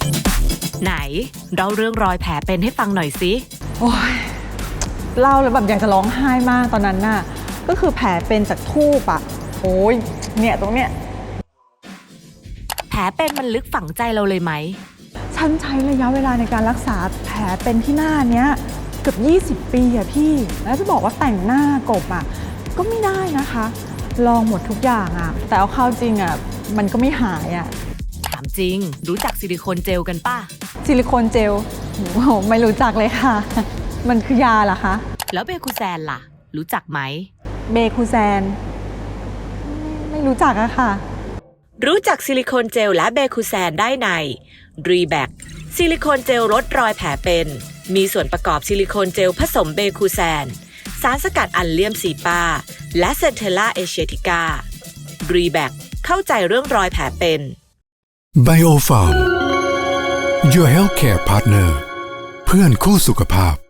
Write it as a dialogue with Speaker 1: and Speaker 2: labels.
Speaker 1: ไหนเราเรื่องรอยแผลเป็นให้ฟังหน่อยสิ
Speaker 2: โอ้ยเล่าแล้วแบบอยากจะร้องไห้มากตอนนั้นน่ะก็คือแผลเป็นจากทูบอ่ะโอ้ยเนี่ยตรงเนี้ย
Speaker 1: แผลเป็นมันลึกฝังใจเราเลยไหม
Speaker 2: ฉันใช้ระยะเวลาในการรักษาแผลเป็นที่หน้าเนี้ยเกือบ20 ปีอะพี่แล้วจะบอกว่าแต่งหน้ากบอะก็ไม่ได้นะคะ ลองหมดทุกอย่างอะแต่เอาเข้าจริงอะมันก็ไม่หายอะ
Speaker 1: ถามจริง รู้จักซิลิโคนเจลกันป่ะ
Speaker 2: ซิลิโคนเจลโอ้โหไม่รู้จักเลยค่ะ มันคือยาเหรอคะ
Speaker 1: แล้วเบคูแซนล่ะ รู้จักไหม
Speaker 2: เบคูแซนไม่รู้จักอะค่ะ
Speaker 1: รู้จักซิลิโคนเจลและเบคูแซนได้ในรีแบคซิลิโคนเจลลดรอยแผลเป็น มีส่วนประกอบซิลิโคนเจลผสมเบคูแซน สารสกัดอัลเลียมซีปาและเซนเทลล่าเอเชียติการีแบคเข้าใจเรื่องรอยแผลเป็น
Speaker 3: Biofarm Your Healthcare Partner เพื่อนคู่สุขภาพ